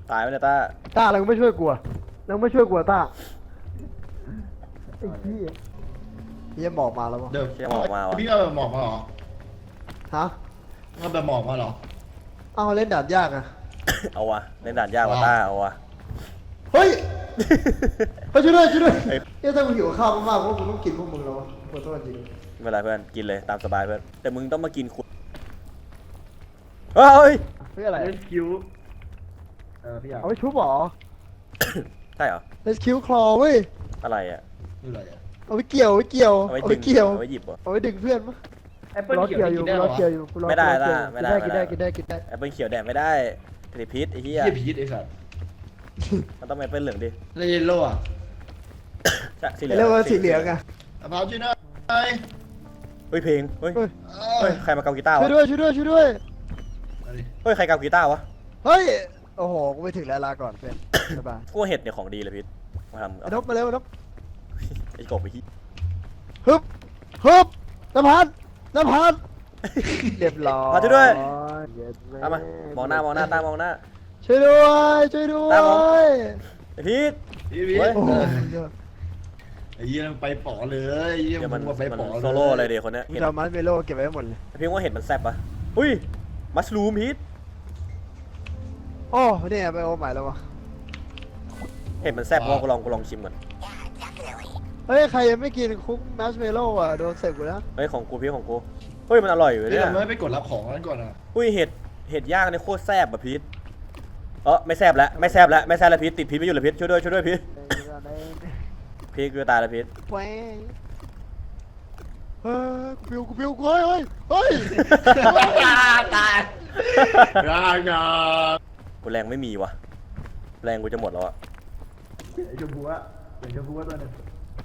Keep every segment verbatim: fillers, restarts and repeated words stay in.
ตายไหมเนี่ยต้าต้าเราไม่ช่วยกลัวเราไม่ช่วยกลัวต้าไอ้พี่เฮียหมอกมาแล้ววะเดี๋ยวเชี่ยหมอกมาวะพี่เอาแบบหมอกมาเหรอฮะเอาแบบหมอกมาเหรอเอาเล่นด่านยากอะเอาวะเล่นด่านยากกว่าต้าเอาวะเฮ้ยไปช่วยด้วยช่วยด้วยเฮ้ยถ้ามึงหิวข้าวมากๆพวกมึงต้องกินพวกมึงแล้ววะขอโทษจริงไม่เป็นไรเพื่อนกินเลยตามสบายเพื่อนแต่มึงต้องมากินคุณเฮ้ยเฮ้ยอะไรเล่นคิวเออพี่อยากเอาไปชุบหรอใช่เหรอเลสคิวคลอเว้ยอะไรอ่ะคืออะไรอ่ะเอาไปเกี่ยวเอาไปเกี่ยวเอาไว้เอาดึไปงเกี่ยวเอาไว้หยิบเหรอเอาไปดึงเพื่อนมั้ยแอปเปิ้ลรอเขียวเกี่ยวอยู่กินได้รเหรออเกี่ยวอยู่รอไม่ได้รอล่ะเกี่ยวไม่ได้กินได้กินได้กินได้แอปเปิลเขียวแดงไม่ได้ติดพิษไอ้เหี้ยเยี่ยพีชไอ้สัตว์มันต้องแอปเปิลเหลืองดิแล้วเยลโล่อะใช่สีเหลืเรียกองว่าสีเหลืองอะมะพร้าวช่วยหน่อยเฮ้ยเพลงเฮ้ยเฮ้ยเอเฮ้อยใครมาเกากีตาร์ช่ววะยด้วยช่วยด้วยช่วยด้วยมาดิเฮ้ยใครเกากีตาร์วะเฮ้ยโอ้โหกูไปถึงแล้วลาก่อนเพื่อนสบายพวกเห็ดเนี่ยของดีเลยพิษมาทำไอ้นกมาเร็วไอ้นกไอ้กบไปที่ฮึบฮึบน้ำพันน้ำพันเรียบร้อยมาช่วยด้วยเย็ดแตามมามองหน้ามองหน้าตามองหน้าช่วยด้วยช่วยด้วตามผมยไอ้พิษพี่พีชเฮ้ยโอ้โหไอ้เยี่ยมันไปป๋อเลยไอ้เยี่ยเดี๋ยวมัมัน นมาไปมันป๋อเลยโซโล่อะไรเดี๋ยวคนเนี้ยกูเห็นจะเอามัสเมโลเก็บไว้ให้หมดเลยไอ้พิษว่าเห็ดมันแซ่บปะอุ้ยมัสลูมพิษโอ้เนี่ยไปโอใหม่แล้ววะเห็ดมันแซ่บเพราะกูลองกูลองชิมก่อนเฮ้ยใครยังไม่กินคุกมัสเมโลอ่ะโดนเสกกูแล้วเฮ้ยของกูพี่ของกูเฮ้ยมันอร่อยอยู่พี่เนี่ยทำไมไม่ไปกดรับของนั้นก่อนอ่ะอุ้ยเห็ดเห็ดย่างเนี่ยโคตรแซ่บอะพิษเออไม่แซ่บแล้วไม่แซ่บแล้วไม่แซ่บแล้วพิษติดพิษไม่อยู่เลยพิษช่วยด้วยช่วยด้วยพิษพิษกูจะตายแล้วพิษแหวงเฮ้ยกูปิวกูปิวกูเฮ้ยเฮ้ยเฮ้ยตายร่างกายกูแรงไม่มีวะแรงกูจะหมดแล้วอะไอ้ชมพูอะไอ้ชมพูอะตัวนึง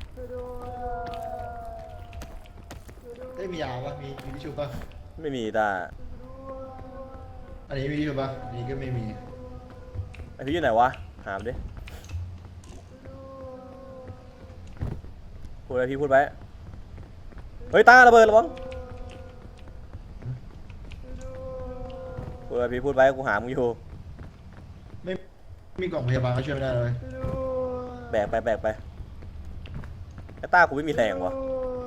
ได้มียาปะมีมีทิชชู่ปะไม่มีตาอันนี้มีทิชชู่ปะอันนี้ก็ไม่มีไอพี่อยู่ไหนวะหามดิพูดอะไรพี่พูดไปเฮ้ยตาระเบิดระวังพูดอะไรพี่พูดไปกูหามึงอยู่ไม่มีกล่องพยาบาลก็ช่วยไม่ได้เลยแบกไปแบกไปไอ้ต้ากูไม่มีแรงวะ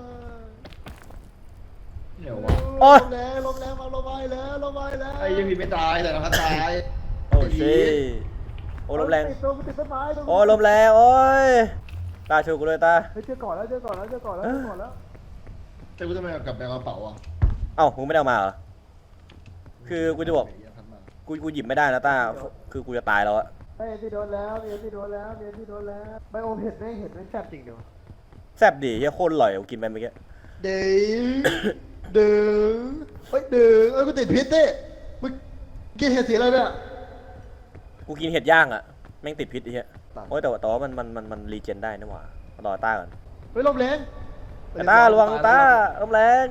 เดี๋ยววะโอ๊ยลมแรงลมแรงมาลมไปแล้วลมไปแล้วไอ้ยังมีไม่ตายแต่เราตายโอ้ชิโอ้ลมแรงติดตัวติดต้นไม้ตรงนี้โอ้ลมแรงโอ้ยตาช่วยกูด้วยตาเฮ้ยเจอก่อนแล้วเจอก่อนแล้วเจอก่อนแล้วเจอก่อนแล้วแต่กูทำไมกลับไปเอากระเป๋าอ่ะเอ้ามึงไม่ได้เอามาเหรอคือกูจะบอกกูกูหยิบไม่ได้นะต้าคือกูจะตายแล้วอะเฮ้ยที่โดนแล้วเมียที่โดนแล้วเมียที่โดนแล้วไบโอมเห็ดไม่เห็ดไม่แซ่บจริงเดียวแซ่บดีเฮียโคตรอร่อยกูกินไปเมื่อกี้เด้งเด้งเฮ้ยเด้งเอ้ยกูติดพิษเต้มึงกินเห็ดสีอะไรเนี่ยกูกินเห็ดย่างอะแม่งติดพิษไอ้เหี้ยตายโอ้ยแต่ว่าแต่ว่ามันมันมันมันรีเจนได้นะหว่ารอต้าก่อนเฮ้ยลมแรงไอ้ต้าระวังต้าลมแรง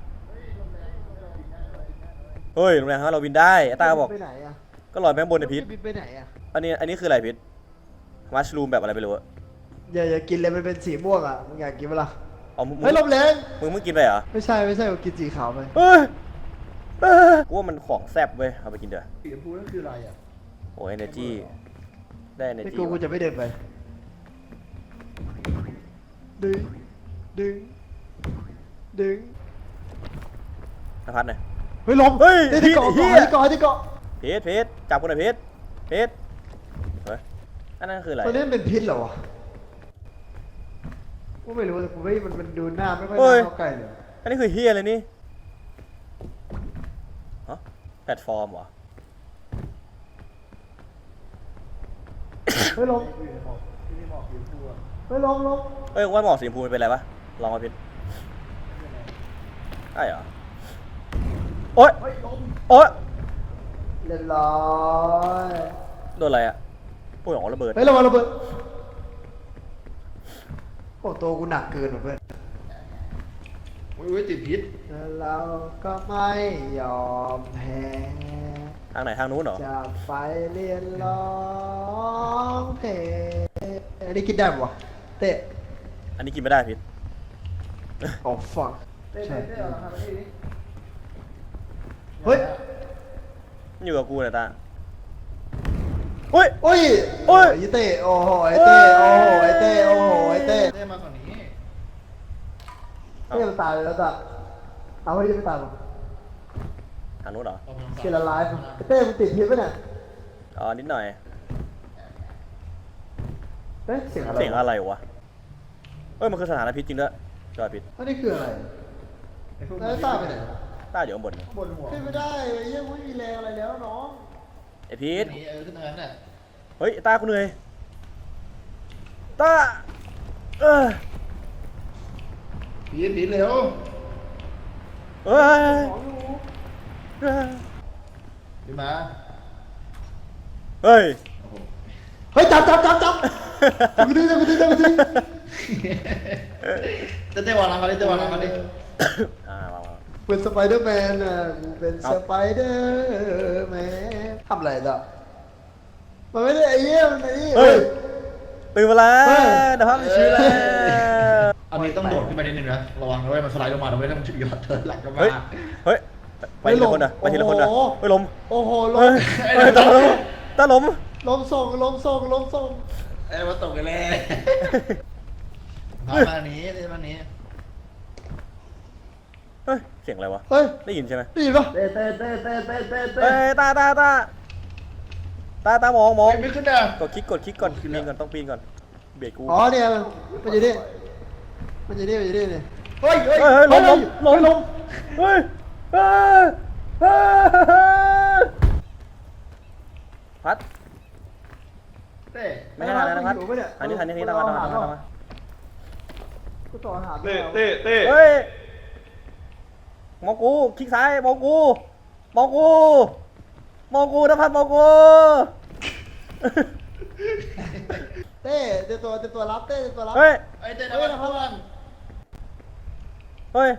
เฮ้ยลมแรงฮะเราบินได้ไอ้ต้าบอกไปไหนอะก็ลอยไปข้างบนในพิษบินไปไหนอะอันนี้อันนี้คืออะไรพิษมัชรูมแบบอะไรไม่รู้อะอย่าอย่ากินเลยมันเป็นสีม่วงอะมึงอยากกินเปะล่าเอามึงเฮ้ยลมแรงมึงมึงกินไปเหรอไม่ใช่ไม่ใช่กูกินสีขาวไปเฮ้ยเอ้ยกูว่ามันของแซ่บเว้ยเอาไปกินเถอะสีชมพูนั่นคืออะไรอ่ะโอ้ยเอเนจีได้เอเนไม่จีกูกูจะไม่เดินไปดึงดึงดึงนภัสหน่อยเฮ้ยลมเฮ้ยที่ที่เกาะเหี้เกาะยที่เกาะที่เกาะเพชรเพชรจับกูหน่อยเพชรเพชรเฮ้ยอันนั้นคืออะไรตัวนี้มันเป็นพิษเหรอวะกูไม่รู้แต่กูไม่มันมันดูหน้าไม่ค่อยเฮ้ยน่าเข้าใกล้เลยอันนี้คือเฮียอะไรนี่ฮะแพลตฟอร์มเหรอเฮ้ยลมเฮ้ยลมลมเอ้ยว่าหมอกสีชมพูมันเป็นอะไรวะลองมาพิษได้เหรอโอ๊ยโอ๊ยเรียบร้อยโดนอะไรอะโอ้ยอ๋อระเบิดเฮ้ยระวังระเบิดโอ้ตัวกูหนักเกินว่ะเพื่อนอุ้ยอุ้ยติดพิษแต่เราก็ไม่ยอมแพ้ทางไหนทางนู้นเหรอจะไปเรียนร้องเพลงอันนี้กินได้ปะวะเตะอันนี้กินไม่ได้พิษโอ้ฟังใช่เฮ้ยอยู่กับกูเนี่ยตาอุ้ยโอ้ยโอ้ยไอ้เต้โอ้โหไอ้เต้โอ้โหไอ้เต้โอ้โหไอ้เต้เต้มาฝั่งนี้เต้มันตายไปแล้วจ้ะเอาไว้ยังไม่ตายหรอกทางนู้นเหรอเกลไลฟ์ไอ้เต้มันติดพิษปะเนี่ยอ๋อนิดหน่อยเฮ้ยเสียงอะไรเสียงอะไรวะเอ้ยมันคือสถานพิษจริงด้วยจอยพิษอันนี้คืออะไรแล้วตายไปไหนต้าอยู่ข้างบนบนหัวขึ้นไม่ได้ไอ้เหี้ยังไม่มีแรงอะไรแล้วน้องไอพีทนี่เออขึ้นตรงนั้นน่ะเฮ้ยต้ากูเหนื่อยต้าเออผีผีเร็วเอ้ยของอยู่เอ้ยผีมาเฮ้ยโอ้โหเฮ้ยจับจับจับจับจับกูดิจับกูดิจับกูดิเต้เต้วางหลังเขาดิเต้วางหลังเขาดิอ่ามามาเป็นสไปเดอร์แมนอ่ะกูเป็นสไปเดอร์แมนทำอะไรจ้ะมันไม่ได้ไอ้เหี้ยมันไอ้นี่เฮ้ยตื่นมาแล้วเฮ้ยนะครับชื่อแล้วอันนี้ต้องโดดขึ้นไปนิดนึงนะระวังด้วยมันสไลด์ลงมาด้วยถ้ามันถึงยอดเทินหลังก็มาเฮ้ยเฮ้ยไปทีละคนนะไปทีละคนนะเฮ้ยลมโอ้โหลเฮ้ยมเฮ้ยตาลมตาลมลมส่งลมส่งลมส่งเอ้ยมาตกกันเลยมามานี้เต้มานี้เฮ้ยเสียงอะไรวะเฮ้ยได้ยินใช่ไหมได้ยินปะเต้เต้เต้เต้เต้เต้เต้เฮ้ยตาตาตาตาตามองมองไม่ขึ้นอ่ะกดคลิกกดคลิกก่อนปีนก่อนต้องปีนก่อนเบรกกูอ๋อเนี่ยมันอยู่นี่มันอยู่นี่มันอยู่นี่นี่เฮ้ยเฮ้ยเฮ้ยเฮ้ยลมลมลมลมเฮ้ยเฮ้ยเฮ้ยพัดเต้ไม่ใช่ทางนั้นนะพัดทางนี้ทางนี้ทางนี้ตามมาตามมาตามมาตามมากูต่ออาหารเต้เต้เต้เฮ้ยมองกูคลิกซ้ายมองกูมองกูมองกูนะพัดมองกูเต้เต้ตัวเต้ตัวรับเต้เต้ตัวรับเฮ้ยไอ้เต้นะพัดเพื่อนเฮ้ย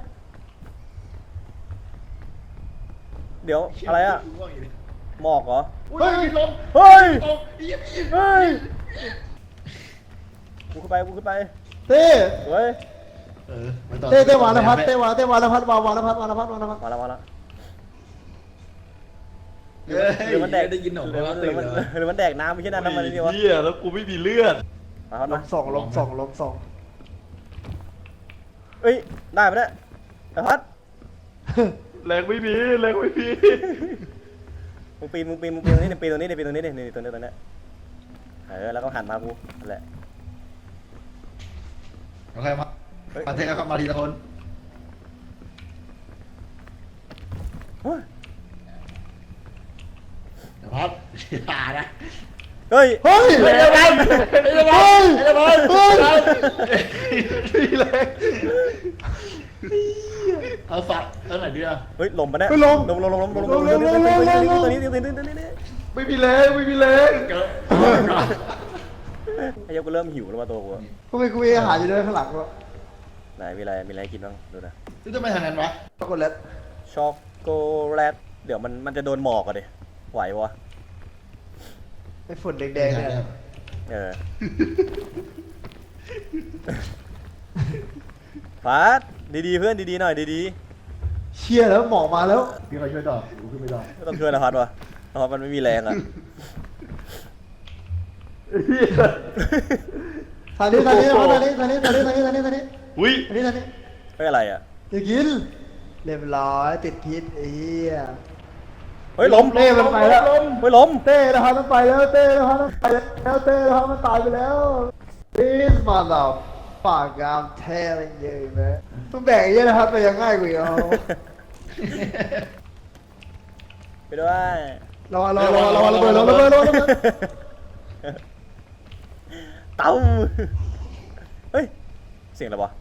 เดี๋ยวอะไรอะหมอกเหรอเฮ้ยลมเฮ้ยตกอีบอีบเฮ้ยกูขึ้นไปกูขึ้นไปเต้เฮ้ยเออมันต่อเต้เต้วานพัฒน์เต้วานเต้วานพัฒน์วานวานพัฒน์วานพัฒน์วานพัฒน์มาแล้วมาแล้วเฮ้ยหรือมันแดกได้ยินหนอหรือมันหรือมันหรือมันแดกน้ำไม่ใช่น้ำน้ำมันนี่วะเฮียแล้วกูไม่มีเลือดมาครับลมามสองลมสองลมสองเอ้ยได้ไหมเนี่ยไอ้พัดแรงไม่มีแรงไม่มีมึงปีนมึงปีนมึงปีนตรงนี้นี่ปีนตรงนี้นี่ปีนตรงนี้นี่นี่ตรงนี้ตรงนี้เออแล้วก็หันมากูนั่นแหละโอเคมามาเทเข้ามาทีละคนเฮ้ยเดี๋ยวพัดอย่านะเฮ้ยเฮ้ยเฮ้ยเดี๋ยวพัดเดี๋ยวพัดเดี๋ยวพัดเฮ้ยนี่เลยเอาสัตว์เอาไหนดีอ่ะเฮ้ยลมปะเนี่ยเฮ้ยลมลมลมลมลมลมลมลมลมลมลมลมตัวนี้ตัวนี้ตัวนี้ตัวนี้ตัวนี้ไม่มีแรงไม่มีแรงเกิดไอ้เหี้ยกูเริ่มหิวแล้วมาตัวกูทำไมกูมีอาหารอยู่ด้วยข้างหลังวะไหนมีอะไรมีอะไรให้กินบ้างดูนะนี่ทำไมทางนั้นวะช็อกโกแลตช็อกโกแลตเดี๋ยวมันมันจะโดนหมอกอะดิไหวปะไอ้ฝุ่นแดงๆเนี่ยเออพัดดีๆเพื่อนดีๆหน่อยดีเชี่ยแล้วหมอกมาแล้วพี่เขาช่วยต่อกูขึ้นไม่ได้ๆไม่ต้องช่วยนะพัดวะเพราะมันไม่มีแรงอะทางนี้ทางนี้ทางนี้ทางนี้ทางนี้ทางนี้ทางนี้ทางนี้อุ้ยทางนี้ทางนี้เฮ้ยอะไรอะอย่ากินเรียบร้อยติดพิษไอ้เหี้ยเฮ้ยลมเต้มันไปแล้วเฮ้ยลมเต้นะครับมันไปแล้วเต้นะครับมันไปแล้วเต้นะครับมันตายไปแล้ว This mother fuck I'm telling you man มึงแบ่งไอ้เหี้ยนะครับไปยังง่ายกว่าอีกเอาไปด้วยรอรอรอรอระเบิดรอระเบิดรอระเบิดเต้าเฮ้ยเสียงอะไรวะ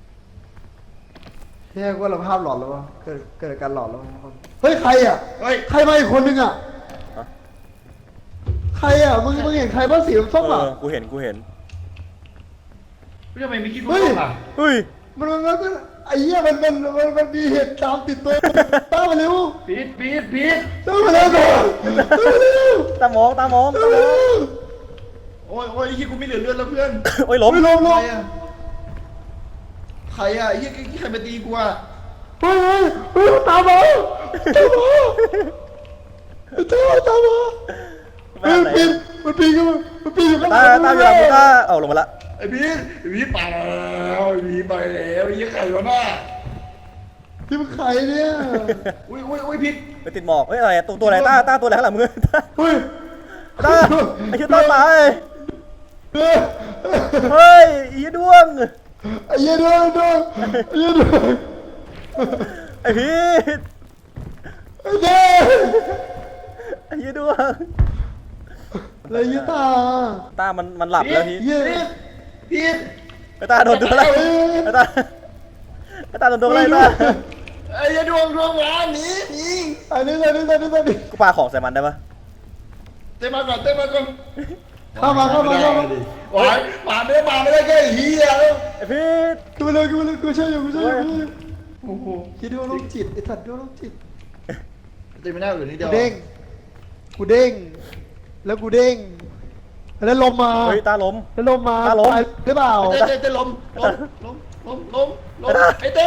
เฮ้ยว่าเราภาพหลอนแล้ววะเกิดเกิดการหลอนแล้วเฮ้ยใครอ่ะเฮ้ยใครมาอีกคนนึงอ่ะฮะใครอ่ะมึงมึงเห็นใครบ้างสีส้มเออ่ะอกูเห็นกูเห็นพี่ทำไมไม่คิดกูเฮ้ยต้องอ่ะเฮ้ยมันมันมันไอ้เหี้ยมันมันมันมันมีเหตุตามติดตัวตามมาเร็วปีดปีดปีดตามมาเร็วตามมาเร็วตามองตามองตามมาเร็วโอ้ยโอ้ยไอ้ที่กูไม่เหลือเลือดแล้วเพื่อนโอ้ยล้มไม่ลงลใครง อ่ะใครอ่ะไอ้ที่ที่ใครมาตีกูอ่ะเฮ้ยเฮ้ยเฮ้ยตามมาตามมาตามมาตามมาไปเฮ้ยไหนปิดไปมันปีนขึ้นมามันปีนขึ้นมาตาตาอยู่หลังกูตาเอาลงมาละไอ้พีทไอ้พีทไปแล้วไอ้พีทไปแล้วไอ้ยี่ไข่วะน่ะที่มันใครเนี่ยอุ้ยอุ้ยอุ้ยพีทไปติดหมอกเฮ้ยอะไรตัวตัวอะไรตาตาตัวอะไรข้างหลังมึงตาเฮ้ยตาไอ้เหี้ยตาตายเฮ้ยเฮ้ยอีดวงไอ้เหี้ยดวงดวงไอ้เหี้ยดวงไอ้พีทไอ้เหี้ยไอ้เหี้ยดวงอะไรเหี้ยตาตามันมันหลับแล้วพีทเหี้ยพีทไอ้ตาโดนตัวอะไรไอ้ตาไอ้ตาโดนตัวอะไรตาไอ้ยี่ดวงดวงหวานหนีหนีอันนี้อันนี้อันนี้อันนี้กูปาของใส่มันได้ปะเต้มาก่อนเต้มาก่อนเข้ามาเข้ามาเข้ามาหวานมาไม่ได้มาไม่ได้แค่เฮียแล้วไอ้พีทกูมาเลยกูมาเลยกูช่วยอยู่กูช่วยอยู่โอ้โหคิดดูโรคจิตไอ้สัตว์ดูโรคจิตเต้ไม่ได้หรือนี่เดีกูยวเด้งกูเด้งแล้วกูเด้งแล้วลมมาเฮ้ยตาล้มแล้วลมมาตาลมตายหรือเปล่าเต้เต้เต้ล้มล้มล้มล้มล้มล้มไอ้เต้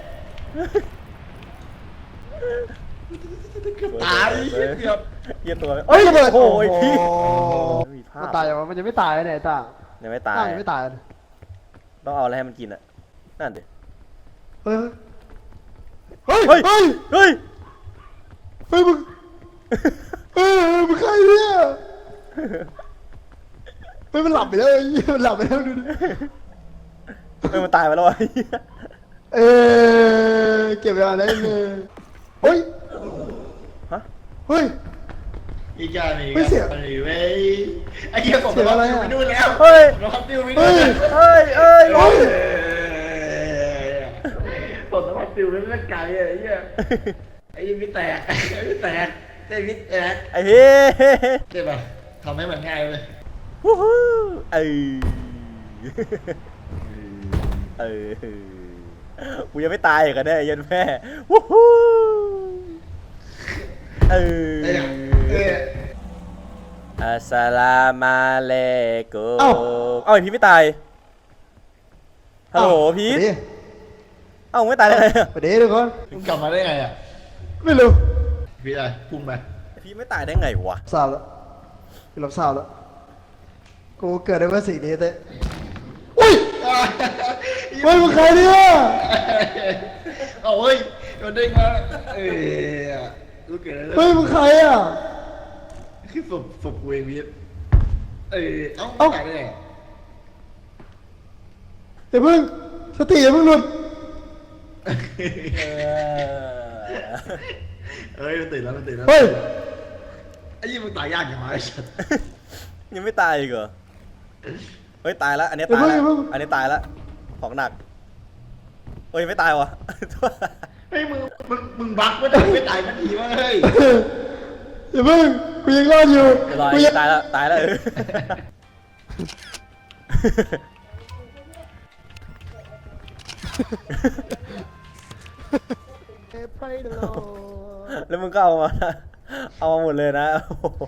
ตายเกือบเยี่ยมตัวเฮ้ยระเบิดโอ้ยพีท มีภาพมันตายยังวะมันยังไม่ตายเลยตายังไม่ตายตายังไม่ตายเลยต้องเอาอะไรให้มันกินอ่ะนั่นดิเฮ้ยเฮ้ยเฮ้ยเฮ้ยเฮ้ยเฮ้ยมึงเฮ้ยมึงใครเนี่ยเฮ้ยมันหลับไปแล้วไอ้เหี้ยมันหลับไปแล้วดูดิเฮ้ยมันตายไปแล้ววะเออเก็บเวลาได้เลยเฮ้ยฮะเฮ้ยอีกานี่ไม่เสียไอ้เว้ยไอ้เหี้ยผมรอติวไปนู่นแล้วเฮ้ยรอติวไปเฮ้นู่นยแล้วเฮ้ยเอ้ยเฮ้ยผมรอติวไปไม่ไกลอะไอ้เหี้ยไอ้ยี่ไม่แตกไอ้ไม่แตกไอ้ไม่แตกไอ้พี่ใช่ป่ะทำให้มันง่ายเลยวู้ฮู้เออเออกูยังไม่ตายอีกันแน่ยันแม่วู้ฮู้เออไอ้เนี่ยเอออัสสลามุอะลัยกุมเอ้าเอ้าไอพีทไม่ตายฮัลโหลพีทไปดิเอ้าไม่ตายได้ไงอะไปดิทุกคนมึงกลับมาได้ไงอ่ะไม่รู้พี่อะไรพุ่งไปไอพีทไม่ตายได้ไงวะเศร้าแล้วกูรับเศร้าแล้วกูเกิดได้เมื่อสิ่งนี้เต้อุ้ยเฮ้ยมึงใครเนี่ยเอาเฮ้ยโดนเด้งมาเอ้ยรู้เกิดอะไรเฮ้ยมึงใครอ่ะคือศพศพกูเองพี่เอ้ยเอ้าเอ้าตายได้ไงเดี๋ยวมึงสติอย่าเพิ่งหลุดเออเอ้ยมันตื่นแล้วมันตื่นแล้วเฮ้ยไอ้ยี่มึงตายยากอย่างไรสัตว์ยังไม่ตายอีกเหรอเฮ้ยตายแล้วอันนี้ตายแล้วอันนี้ตายแล้วของหนักเฮ้ยไม่ตายวะเฮ้ยมึงมึงมึงบักไม่ได้ไม่ตายนาทีวะเฮ้ยอย่าเพิ่งกูยังรอดอยู่เรียบร้อยกูยังตายแล้วตายแล้วเออ แล้วมึงก็เอามา เอามาหมดเลยนะ โอ้โห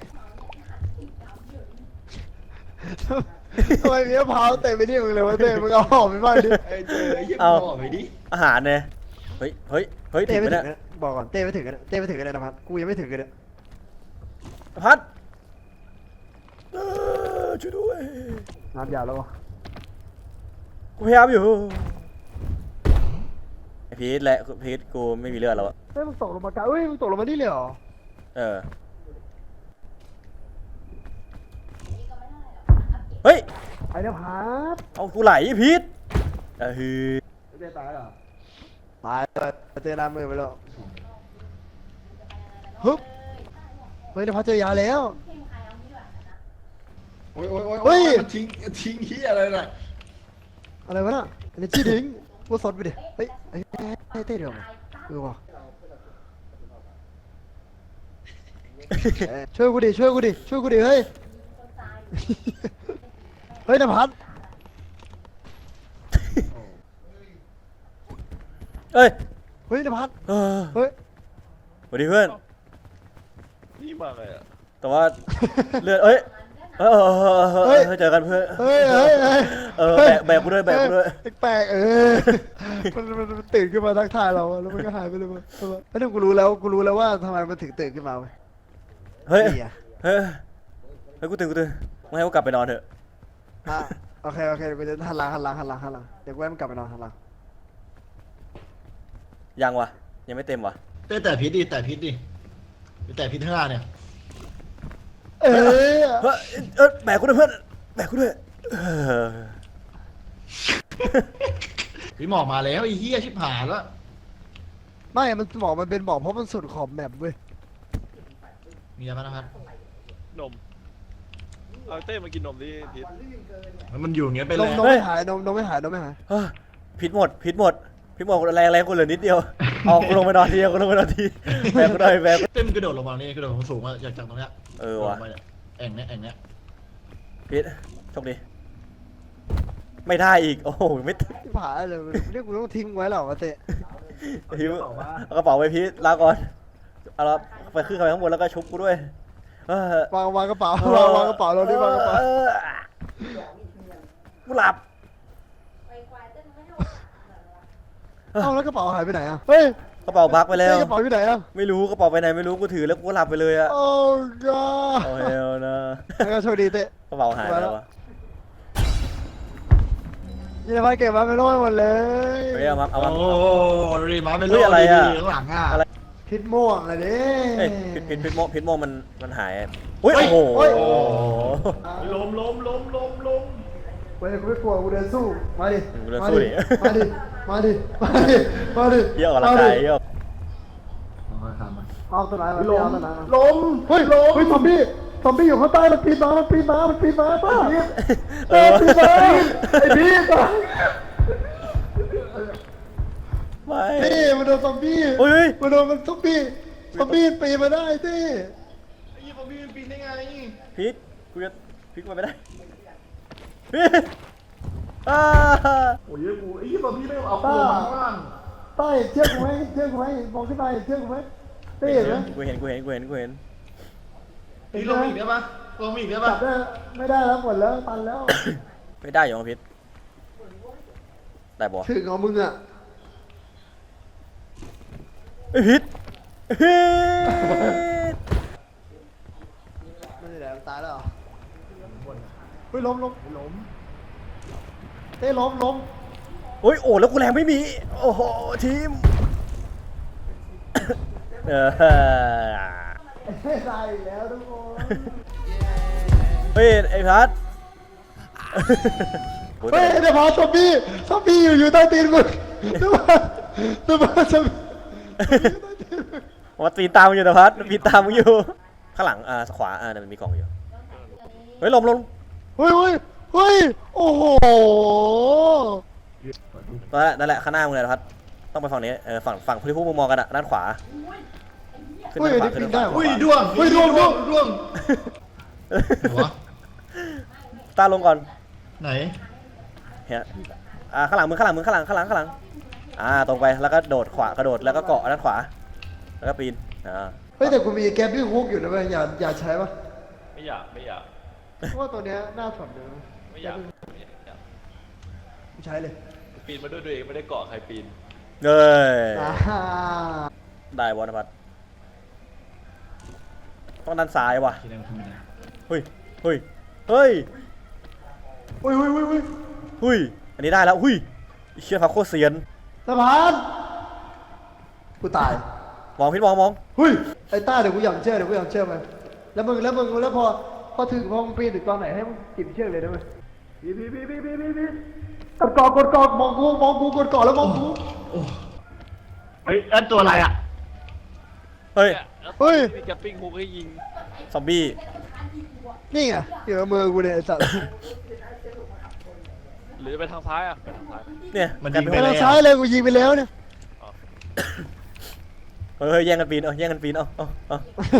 ทำไมมีมะพร้าวเต็มไปที่มึงเลยวะเต้มึงเอาหอมไปบ้างดิไอ้เจอไอ้ยี่เอาบอกไปดิอาหารเนี่ยเฮ้ยเฮ้ยเฮ้ยเต้ถึงไม่ไหมถึเนี่งยนะบอกก่อนเต้ไม่ถึงกันเต้ไม่ถึงกันเลยนะพัดกูยังไม่ถึงกันเลยพัดเออช่วยด้วยน้ำยาแล้ววะกูพยายามอยู่ไอพีทและพีทกูไม่มีเลือดแล้วอะเฮ้ยมึงตกลงมากลางเฮ้ยมึงตกลงมานี่เลยเหรอเออเฮ้ยไอ้เนี่ยพัดเอากูไหลพีทเออฮือเต้ตายเหรอตายเลยเต้น้ำมือไปแล้วฮึบเฮ้ยเดี๋ยวพัดเจอยาแล้วโอ้ยโอ้ยโอ้ยเฮ้โอ้ยยมันทิ้งทิ้งเฮียอะไรน่ะอะไรวะน่ะอันนี้จี้ทิ้งกูสดไปดิเฮ้ยเฮ้ยเต้เต้เดี๋ยวมาเออว่ะเอ้ยช่วยกูดิช่วยกูดิช่วยกูดิเฮ้ยเฮ้ยนภัสเอ้ยเฮ้ยนภัสเออเฮ้ยสวัสดีเพื่อนนี่มาไงอ่ะแต่ว่าเลือดเอ้ยเออเออเออเออเออเจอกันเพื่อนเฮ้ยเฮ้ยเฮ้ยเออแบกแบกกูด้วยแบกกูด้วยแปลกๆเออมันมันมันตื่นขึ้นมาทักทายเราอะแล้วมันก็หายไปเลยมั้งแล้วนี่กูรู้แล้วกูรู้แล้วว่าทำไมมันถึงตื่นขึ้นมาเว้ยเฮ้ยนี่อะเฮ้ยเฮ้ยกูตื่นกูตื่นมึงให้กูกลับไปนอนเถอะอ่ะโอเคโอเคเดี๋ยวกูจะหันหลังหันหลังหันหลังหันหลังเดี๋ยวกูให้มันกลับไปนอนหันหลังยังวะยังไม่เต็มวะเต้แต่พิษดิแต่พิษดิแต่พิษข้างหน้าเนี่ยเอ้ยเฮ้ยเออแบกกูด้วยเพื่อนแบกกูด้วยเออพี่หมอกมาแล้วไอ้เหี้ยชิบหายแล้วไม่มันบอกมันเป็นบอกเพราะมันสุดขอบแมปเว้ยมีอะไรบ้างนะครับนมเอาเต้มากินนมดิพิษมันอยู่อย่างเงี้ยไปนเลมยนมไม่หายนมนมไม่หายนมไม่หายเฮ้ยพิษหมดพิษหมดพิษหมดแรงแรงกูเหลือนิดเดียวเอากูลงไปนอนทีกูลงไปนอนทีแบกกูหน่อยแบกเต้มนกระโดดลงมานี่กระโดดลงสูงมาจากจากตรงเนี้ยเออว่ะลงไปเนี่ยแอ่งเนี้ยแอ่งเนี้ยพิษโชคดีไม่ได้อีกโอ้โหไม่ถึงที่ผายเลยเรียกกูต้องทิ้งไว้หรอวะเตะพิษเอากระเป๋าไปพิษลาก่อนเอาละไปขึ้นไปข้างบนแล้วก็ชุบกูด้วยเออวางวางกระเป๋าวางวางกระเป๋าเราดิวางกระเป๋าออกูหลับเอ้าแล้วกระเป๋าหายไปไหนอ่ะเฮ้ยกระเป๋าบักไปแล้วกระเป๋าอยู่ไหนอ่ะไม่รู้กระเป๋าไปไหนไม่รู้กูถือแล้วกูก็หลับไปเลยอะโอ้กอโอ้เฮลนะแล้วก็โชคดีเตะกระเป๋าหายแล้วอะยี่ห้อเก็บมาไม่รอดหมดเลยเฮ้ยเอามาเอาโอ้มาโหดูดิมาเป็นเฮ้โลยอะไรอะดีๆข้างหลังอ่ะอะไรพิษม่วงเลยดิเอ้ยพิษพิษพิษโมพิษโมมันมันหายอุ้ยโอ้โหเฮ้ยโอ้โหล้มล้มล้มล้มล้มเว้ยกูไม่กลัวกูเดินสู้มาดิกูเดินมาสู้ดิดิมาดิมาดิมาดิมาดิเยอะกว่าละกายเยอะค่อยๆทำมาเอาตัวไหนมาดิเอาตัวไหนมาล้มเฮ้ยล้มเฮ้ยซอมบี้ซอมบี้อยู่ข้างใต้มันปีนมามันปีนมามันปีนมาป้าพีทเออปีนมาไอ้พีทไม่เต้มันโดนซอมบี้โอ้ยมันโดนมันซอมบี้ซอมบี้ปีนมาได้เต้ไอ้ยี่ปอพี่ปีนได้ไงพิษกูจะพิษกูไปไม่ได้พิษอ้าโอ้ยกูไอ้ยี่ปอพี่ไม่เอาตัวมาข้างล่างใต้เชือกกูไหมเชือกกูไหมมองขึ้นไปเชือกกูไหมเต้เห็นไหมกูเห็นกูเห็นกูเห็นกูเห็นนี่ลงอีกได้ปะลงอีกได้จัปะบได้ไม่ได้แล้วหมดแล้วตันแล้วไม่ได้อยู่ของพิษได้บ่ถึงของมึงอ่ะไอ้พิษพิษไม่ได้แล้วตายแล้วเหรอเฮ้ยล้มล้มล้มเต้ล้มล้มโอ้ยโอ้แล้วกูแรงไม่มีโอ้โหทีมเออไม่ได้อีกแล้วทุกคนเฮ้ยไอ้พัดเฮ้ยเดี๋ยวพอซอมบี้ซอมบี้อยู่อยู่ใต้ตีนมึงเดี๋ยวมาเดี๋ยวมาซอมบี้อยู่ใต้ตีนมึงว่าปีนตามมึงอยู่นะพัดมันปีนตามมึงอยู่ข้างหลังอ่าขวาอ่าเนี่ยมันมีกล่องอยู่เฮ้ยลมลมเฮ้ยเฮ้ยเฮ้ยโอ้โหนั่นแหละนั่นแหละข้างหน้ามึงเลยนะพัดต้องไปฝั่งนี้เออฝั่งฝั่งที่พวกมึงมองกันอะด้านขวาขึ้นเฮ้ยด้านขวาอันขึ้นี้นปีด้าน นขได้วาอุ้ยด้วงเฮ้ยด้วงด้วงด้วงหัวตาลงก่อนไหนเฮ้ยอ่าข้างหลังมึงข้างหลังมึงข้างหลังข้างหลังข้างหลังอ่าตรงไปแล้วก็โดดขวากระโดดแล้วก็เกาะด้านขวาแล้วก็ปีนอ่าเฮ้ยแต่กูมีแกปปิ้งฮุกอยู่นะเว้ยอย่าอย่าใช้ปะไม่อยากไม่อยากเพราะว่าตัวเนี้ยน่าสนเลยไม่อยากไม่อยากไม่ใช้เลยปีนมาด้วยตัวเองไม่ได้เกาะใครปีนเอ้ยอ่าได้วอนพัดต้องด้านซ้ายว่ะที่นั่นทำไมนะเฮ้ยเฮ้ยเฮ้ยเฮ้ยเฮ้ยเฮ้ยเฮ้ยเฮ้ยอันนี้ได้แล้วหุ้ยไอ้เชี่ยพักโคตรเซียนสะพานกูตายมองพิษมองมองเฮ้ยไอ้ต้าเดี๋ยวกูหย่อนเชือกเดี๋ยวกูหย่อนเชือกมันแล้วมึงแล้วมึงแล้วพอพอถึงพอมึงปีนถึงตอนไหนให้มึงจิบเชือกเลยได้ไหมพี่พี่พี่พี่พี่พี่พี่กดกอกดกอกมองกูมองกูกดกอแล้วมองกูเฮ้ยอันตัวอะไรอ่ะเฮ้ยเฮ้ยมีแกปปิ้งฮุกให้ยิงซอมบี้นี่ไงเดี๋ยวมือกูเนี่ยไอ้สัตว์หรือจะไปทางซ้ายอ่ะไปทางซ้ายเนี่ยมันกลายิยงเป็นไปไปแล้ทาว งซ้ายเลยกูยิงไปแล้วเนี่ยเฮ้ยแย่งกันปีนเอาแย่งกันปีนเอาเอาเอา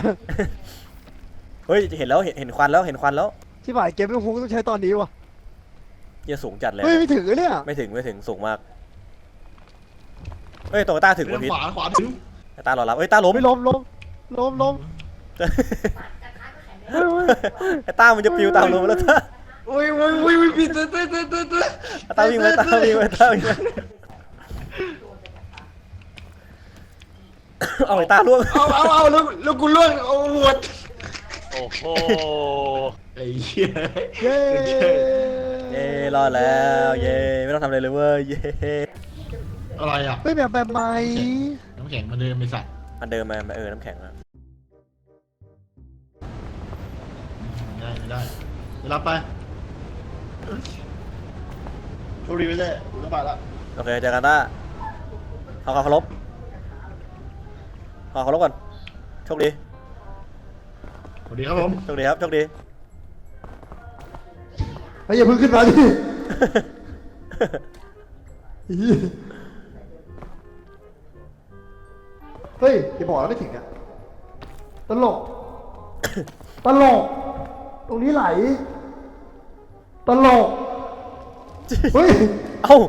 เฮ้ยเห็นแล้วเห็นเห็นควันแล้วเห็นควันแล้วที่บ่ายเกมไม่ฮุกต้องใช้ตอนนี้วะเหี้ยสูงจัดเลยเฮ้ยไม่ถึงเลยเนี่ยไม่ถึงไม่ถึงสูงมากเฮ้ยตัวต้าถึงเรื่วะองพิษขวาขวาถึงต้ารอรับเฮ้ยต้าล้มไม่ล้มล้มล้มล้ม เฮ้ยเฮ้ยไอ้ต้ามันจะปิวตามลมแล้วต้าอุ้ยอุ้ยอุ้ยอุ้ยปีนเต้นเต้นเต้นเต้นเต้นต้าวิ่งไปต้าวิ่งไปต้าวิ่งไปเอาไอ้ต้าล่วงเอาเอาเอาแล้วแล้วกูล่วงเอาหมดโอ้โหไอ้เหี้ยเย้เย้รอดแล้วเย้ไม่ต้องทำอะไรเลยเว้ยเย้อะไรอ่ะเฮ้ยแบบแบบใหม่น้ำแข็งมาเดินไปสัตว์มันเดินมาเออน้ำแข็งอะไม่ได้ไม่ได้ไปรับไปโชคดีไม่ได้กูต้องไปละโอเคเจอกันต้าขอขอเคารพขอเคารพก่อนโชคดีสวัสดีครับผมโชคดีครับโชคดีเฮ้ยอย่าเพิ่งขึ้นมาดิเฮ้ยอย่าบอกแล้วไม่ถึงอ่ะตลกตลกตรงนี้ไหลตลกเฮ้ยเอ้า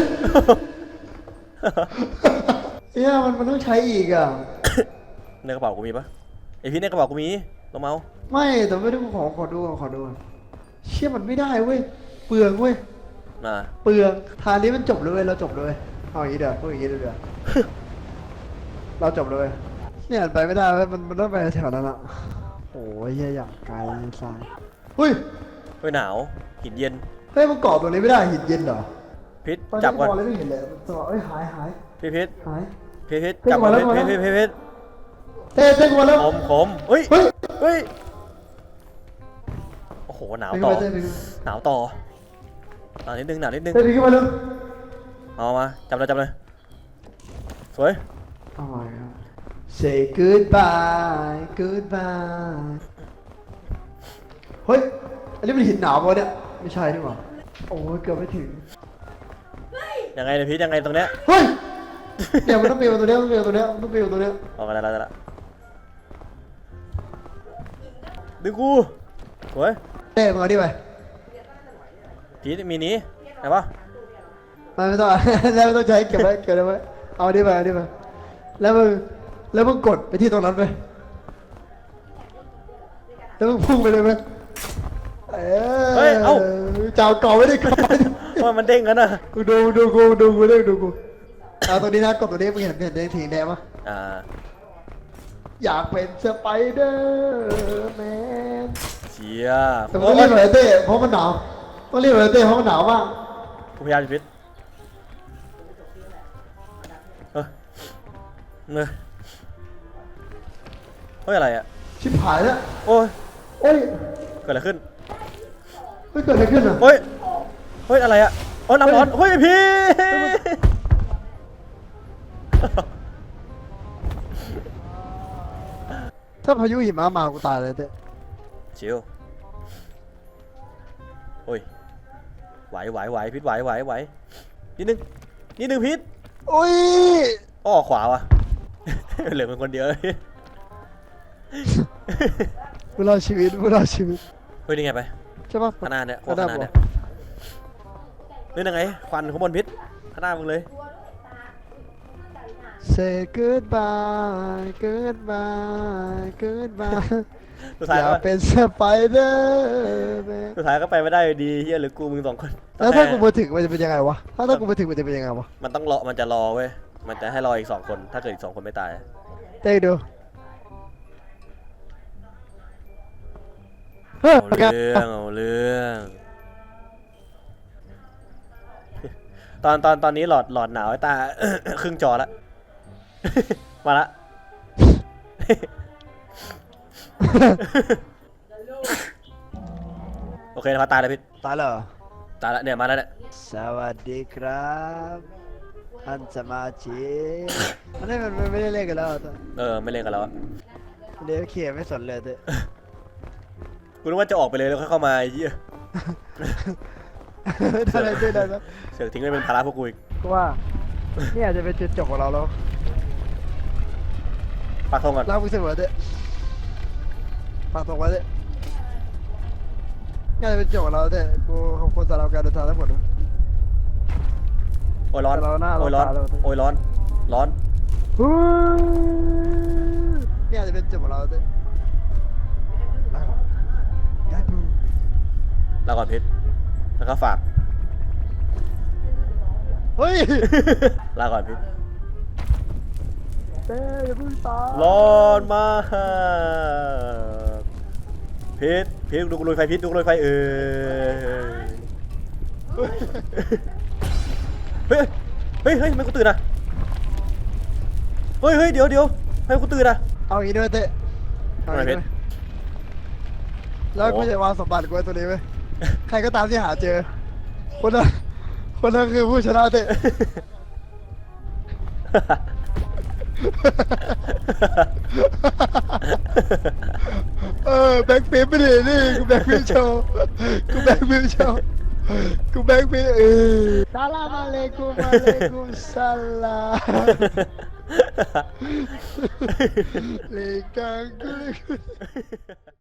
เนี่ยมันมันต้องใช้อีกอ่ะในกระเป๋ากูมีปะไอพี่ในกระเป๋ากูมีลงมาเอาไม่แต่ไม่ได้ขอขอดูก่อนขอดูก่อนเชี่ยมันไม่ได้เว้ยเปลืองเว้ยน่ะเปลืองทางนี้มันจบเลยเว้ยเราจบเลยเอาอย่างนี้เดี๋ยวพูดอย่างนี้เดี๋ยว เราจบเลยเนี่ยไปไม่ได้เว้ยมันมันต้องไปแถวนั้นอ่ะโอ้ยเหี้ยอย่างไกลทรายเฮ้ยเฮ้ยหนาวหินเย็นเฮ้ยมันเกาะตรงนี้ไม่ได้หินเย็นเหรอพิษตอนจันี้บก่อนมองอะไรไม่เห็นเลยมันจะบอกเอ้ยหายหายพี่พิษหายพี่พิษเต้นจับก่อนมาแล้วพิษมาแล้วพิษพิษพิษเต้เต้นมาแล้วขมขมเฮ้ยเฮ้ยเฮ้ยโอ้โหหนาวไปต่อขึ้นไปเต้นไปขึ้นหนาวต่อหนาวนิดนึงหนาวนิดนึงเต้นไปขึ้นมาเร็วเอามาจับเลยจับเลยสวย Oh my god Say goodbye goodbye เฮ้ยอันนี้มันหินหนาวปะเนี่ยไม่ใช่นี่หว่าโอ้ยเกือบไม่ถึงยังไงเนี่ยพิษยังไงตรงเนี้ยเฮ้ยเนี่ยมันต้องเปลี่ยนตัวเนี้ยมันต้องเปลี่ยนตัวเนี้ยมันต้องเปลี่ยนตัวเนี้ยออกมาแล้วแล้วแล้วดึงกูสวยเต้มาดิไปพีทมีนี้ไหนปะไม่ไม่ต้อง แล้วไม่ต้องใช้เก็บไว้เก็บไว้เอาดิไปเอาดิไปแล้วมึงแล้วมึงกดไปที่ตรงนั้นไปแล้วมึงพุ่งไปเลยไหมเอ้ยจ้าวเก่าไม่ได้ก่อนว่ามันเด้งกันนะกูดูดูกูดูกูดูดูกูเอาตัวนี้นะกดตัวนี้มึงเห็นเห็นแดงถีแดงปะอ่าอยากเป็นสไปเดอร์แมนเชียแต่มึงต้องรีบหน่อยเต้เพราะมันหนาวต้องรีบหน่อยเต้เพราะมันหนาวมากกูพยายามจะพิษเออเนยเฮ้ยอะไรอ่ะชิบหายแล้วโอ้ยโอ้ยเกิดอะไรขึ้นเฮ้ยเกิดอะไรขึ้นอ่ะเฮ้ยเฮ้ยอะไรอ่ะโอ้ยน้ำร้อนเฮ้ยพี่ถ้าพายุหิมะมากูตายเลยเต้ชิวโอ้ยไหวไหวไหวพิษไหวไหวไหวนิดนึงนิดนึงพิษโอ้ยอ้อขวาวะ เหลือเป็นคนเดียวเลยกูรอดชีวิตกูรอดชีวิตเฮ้ยนี่ไงไปใช่ปะข้างหน้าเนี่ยโคตรข้าข้าง งหหน้าน้าบอเนี่ยนี่ยังไงควันข้างบนพิษข้างหน้ามึงเลย Say goodbye goodbye goodbye สุดอท้ายยาก็กเป็นสไปเดอร์แมนสุดท้ายก็ไปไม่ได้อยู่ดีเฮียหรือกูมึงสองคนแล้วถ้ากูมาถึงมันจะเป็นยังไงวะ ถ้าถ้ากูมาถึงมันจะเป็นยังไงวะมันต้องรอมันจะรอเว้ยมันจะให้รออีกสองคนถ้าเกิดอีกสองคนไม่ตายเต้ดูเฮ้ยเอาเรื่องเอาเรื่อง ตอนตอนตอนนี้หลอดหลอดหนาวไอ้ตา ครึ่งจอละ มาละ โอเคนะพอตายแล้วพี่ตายเหรอตายแล้วเนี่ยมาแล้วเนี่ยสวัสดีครับท่านสมาชิกอันนี้มันไม่ได้เล่นกันแล้วตัวเออไม่เล่นกันแล้วอะเดี๋ยวเขียไม่สนเลยเต้กูนึกว่าจะออกไปเลยแล้วค่อยเข้ามาไอ้เหี้ยได้ได้ได้ได้เสือกทิ้งไว้เป็นภาระพวกกูอีกก็ว่านี่อาจจะเป็นจุดจบของเราแล้วปักธงก่อนรักมึงเสมอเต้ฝากตรงไว้เต้นี่อาจจะเป็นจุดจบของเราเต้กูขอบคุณสำหรับการเดินทางทั้งหมดนะโอ้ยร้อนแต่เราหน้าเราโอ้ยร้อนตาเราโอ้ยร้อนร้อนนี่อาจจะเป็นจุดของเราเต้ได้ปูลาก่อนพิษแล้วก็ฝากเฮ้ยลาก่อนพิษเต้อย่าเพิ่งตายร้อนมากพิษพีทดูกูลุยไฟพีทดูกูลุยไฟเออเฮ้ยเฮ้ยเฮ้ยทำไมกูตื่นอ่ะเฮ้ยเฮ้ยเดี๋ยวเดี๋ยวทำไมกูตื่นอ่ะเอาอย่างนี้ด้วยเต้เอาอย่างนี้ด้วยแล้วกูจะวางสมบัติกูไว้ตัวนี้ไว้ใครก็ตามที่หาเจอคนนั้นคนนั้นคือผู้ชนะเต้ เออแบ็คฟิปไม่ดีนี่กูแบ็คฟิปโชว์กูแบ็คฟิปโชว์กูแบ็คฟิปเออซาลามอะเลกุมอะเลกุมซาลาม เลกังกูเลกุ